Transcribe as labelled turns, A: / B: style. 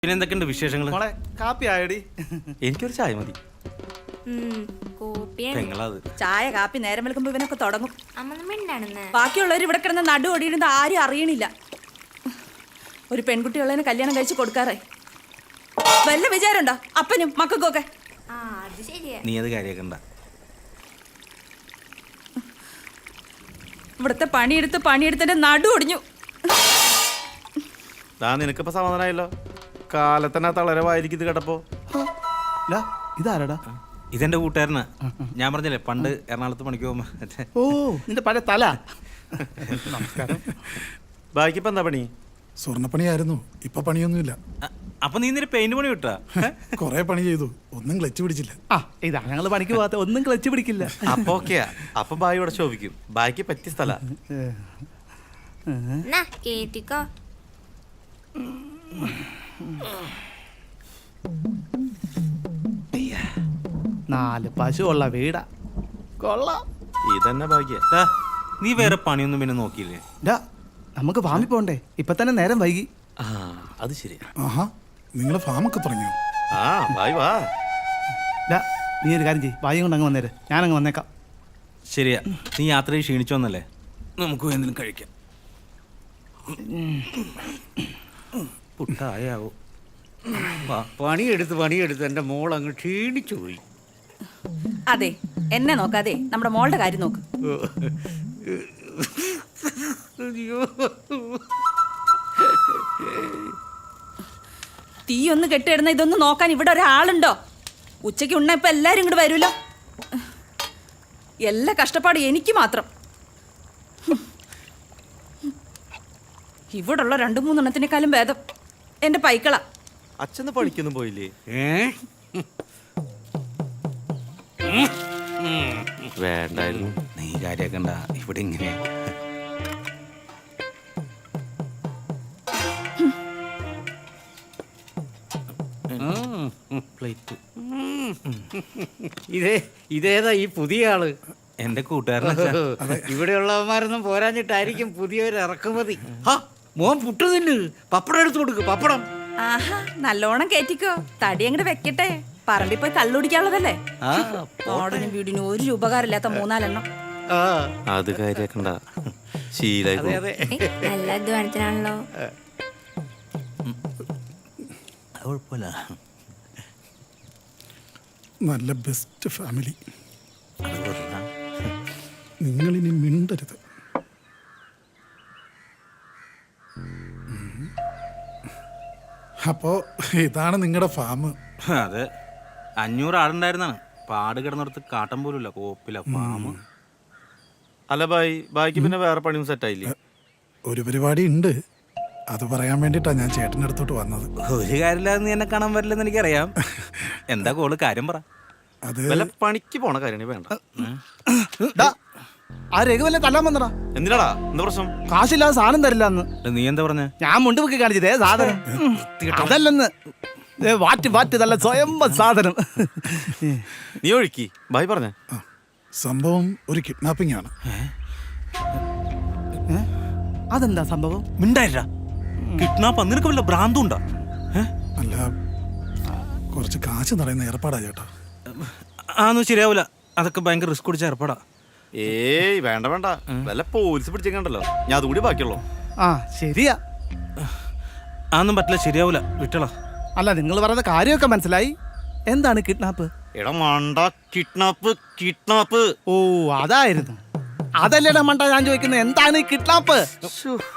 A: പിന്നെ എന്തൊക്കെയുണ്ട് വിശേഷങ്ങൾ?
B: മോളെ കാപ്പി ആയടി?
A: എനിക്കൊരു ചായ മതി. പെങ്ങളത്
C: ചായ കാപ്പി നേരം വിളിക്കുമ്പോ ഇവനൊക്കെ തുടങ്ങും.
D: അമ്മ
C: ബാക്കിയുള്ളവർ ഇവിടെ കിടന്ന് നടു ഓടിയിരുന്നത് ആരും അറിയണില്ല. ഒരു പെൺകുട്ടിയുള്ളതിന് കല്യാണം കഴിച്ച് കൊടുക്കാറേ വല്ല വിചാരമുണ്ടോ അപ്പനും മക്കൾക്കൊക്കെ?
A: നീ അത് കാര്യാക്കണ്ട.
C: ഇവിടുത്തെ പണിയെടുത്തിന്റെ നടു ഒടിഞ്ഞു.
B: നിനക്കിപ്പോ സമാധാനമായല്ലോ. കാലത്തന്നെ തളരവായിരിക്കും ഇത് കേട്ടപ്പോ. ഇതാരടാ?
A: ഇതെന്റെ കൂട്ടുകാരനാ. ഞാൻ പറഞ്ഞില്ലേ പണ്ട് എറണാകുളത്ത് പണിക്ക് പോകുമ്പോ.
B: ഓ, നിന്റെ പഴയ തല. നമസ്കാരം. ബാക്കിപ്പോ എന്താ പണി?
E: സ്വർണ്ണപ്പണിയായിരുന്നു, ഇപ്പൊ പണിയൊന്നുമില്ല.
A: അപ്പൊ നീ ഇന്നലെ പെയിന്റ് പണി വിട്ടാ?
E: കൊറേ പണി ചെയ്തു, ഒന്നും ക്ലച്ച് പിടിച്ചില്ല.
B: ഇതാ ഞങ്ങള് പണിക്ക് പോകാത്ത, ഒന്നും ക്ലച്ച് പിടിക്കില്ല.
A: അപ്പൊ ഓക്കെയാ. അപ്പൊ ബായി ഇവിടെ ശോഭിക്കും. ബായിക്ക് പറ്റിയ സ്ഥല.
D: കേട്ടിക്കോ.
B: 4 പശുവുള്ള വീടാ. കൊള്ളാം.
A: ഇതന്നെ ഭാഗ്യ. നീ വേറെ പണിയൊന്നും പിന്നെ നോക്കിയില്ലേ?
B: നമുക്ക് ഫാമിൽ പോണ്ടേ? ഇപ്പൊ തന്നെ നേരം വൈകി.
A: അത് ശരിയാ.
E: ആഹാ, നിങ്ങള് ഫാമൊക്കെ തുടങ്ങിയോ?
A: ബായ് വാ.
B: നീ ഒരു കാര്യം ചെയ്യ്, വായും കൊണ്ട് അങ്ങ് വന്നേര്, ഞാനങ്ങ് വന്നേക്കാം.
A: ശരിയാ, നീ യാത്രയിൽ ക്ഷീണിച്ചു വന്നല്ലേ, നമുക്ക് എന്തെങ്കിലും കഴിക്കാം. പുട്ടായാവോ?
F: പണിയെടുത്ത് എൻ്റെ മോൾ അങ്ങ് ക്ഷീണിച്ചു പോയി.
C: അതെ, എന്നെ നോക്കാതെ നമ്മുടെ മോളുടെ കാര്യം നോക്ക്. തീ ഒന്ന് കെട്ടിയിടുന്ന ഇതൊന്ന് നോക്കാൻ ഇവിടെ ഒരാളുണ്ടോ? ഉച്ചയ്ക്ക് ഉണ്ണ ഇപ്പൊ എല്ലാരും ഇങ്ങോട്ട് വരുമല്ലോ. എല്ലാ കഷ്ടപ്പാടും എനിക്ക് മാത്രം. ഇവിടുള്ള 2-3 എണ്ണത്തിനേക്കാളും ഭേദം എന്റെ പൈക്കള.
A: അച്ഛന് പണിക്കൊന്നും പോയില്ലേ? വേണ്ടായിരുന്നു, നീ കാര്യാക്കണ്ട. ഇവിടെ ഇങ്ങനെ പ്ലേറ്റ്.
F: ഇതേതാ ഈ പുതിയ ആള്?
A: എന്റെ കൂട്ടുകാരൻ.
F: ഇവിടെയുള്ളവന്മാരൊന്നും പോരാഞ്ഞിട്ടായിരിക്കും പുതിയൊരു ഇറക്കുമതി. മോൻ പുട്ട് തിന്ന്, പപ്പടം എടുത്തു കൊടുക്ക്. പപ്പടം
C: ആഹാ, നല്ലോണം കേറ്റിക്കോ. തടി അങ്ങോട്ട് വെക്കട്ടെ. പറമ്പിൽ പോയി കള്ളുടിക്കാനുള്ളതല്ലേ. ഓടനും വീടിനും ഒരു ഉപകാരമില്ലാത്ത 4-4 എണ്ണം.
A: അത് കാര്യാക്കണ്ട, ശീലായി.
D: നല്ല അധ്വാനത്തിനാണല്ലോ.
A: കുഴപ്പമില്ല.
E: നല്ല ബെസ്റ്റ് ഫാമിലി. നിങ്ങളിനി മിണ്ടരുത്. അപ്പോ ഇതാണ് നിങ്ങളുടെ ഫാം?
A: അതെ, 500 ആടുണ്ടായിരുന്നാണ്. പാട് കിടന്നിടത്ത് കാട്ടം പോലുമില്ല, കോപ്പില ഫാം. അല്ല ബായിക്ക് പിന്നെ വേറെ പണിയും സെറ്റായില്ലേ?
E: ഒരു പരിപാടി ഉണ്ട്, അത് പറയാൻ വേണ്ടിട്ടാ ഞാൻ ചേട്ടൻ്റെ അടുത്തോട്ട് വന്നത്.
A: ഒരു കാര്യമില്ലാതെ നീ എന്നെ കാണാൻ വരില്ലെന്ന് എനിക്കറിയാം. എന്താ കോള്? കാര്യം പറ.
E: അത്
A: വല്ല പണിക്ക് പോണ കാര്യം വേണ്ട.
B: ആ രഘുവല്ലേ തല്ലാൻ വന്നടാ.
A: എന്തിനാടാ? എന്താ പ്രശ്നം?
B: കാശില്ലാതെ സാധനം തരില്ല എന്ന്.
A: നീ എന്താ പറഞ്ഞ?
B: ഞാൻ മുണ്ടുപൊക്കി കാണിച്ചതേ സാധനം അതല്ലെന്ന്. വാറ്റ് നല്ല സ്വയം സാധനം.
A: നീ ഒഴുക്കി ബായ് പറഞ്ഞ
E: സംഭവം ഒരു കിഡ്നാപ്പിംഗ് ആണ്.
B: അതെന്താ സംഭവം?
A: മിണ്ടായില്ല. കിഡ്നാപ്പ് നിനക്ക് വല്ല ഭ്രാന്തുണ്ടോ?
E: അല്ല, കുറച്ച് കാശ് നിറയുന്ന ഏർപ്പാടാ ചേട്ടാ.
A: അതൊന്നും ശരിയാവൂല, അതൊക്കെ ഭയങ്കര റിസ്ക് പിടിച്ച ഏർപ്പാടാ.
G: ഏയ് വേണ്ട വല്ല പോലീസ് പിടിച്ചേക്കണ്ടല്ലോ, ഞാൻ അതുകൂടി ബാക്കിയുള്ളൂ.
B: ശരിയാ,
A: അതൊന്നും പറ്റില്ല, ശരിയാവൂല, വിട്ടളാ.
B: അല്ല, നിങ്ങൾ പറയുന്ന കാര്യമൊക്കെ മനസ്സിലായി. എന്താണ് കിഡ്നാപ്പ്?
G: എടാ മണ്ട, കിഡ്നാപ്പ്.
B: ഓ, അതായിരുന്നു. അതല്ലേടാ മണ്ട ഞാൻ ചോദിക്കുന്നത്, എന്താണ് കിഡ്നാപ്പ്?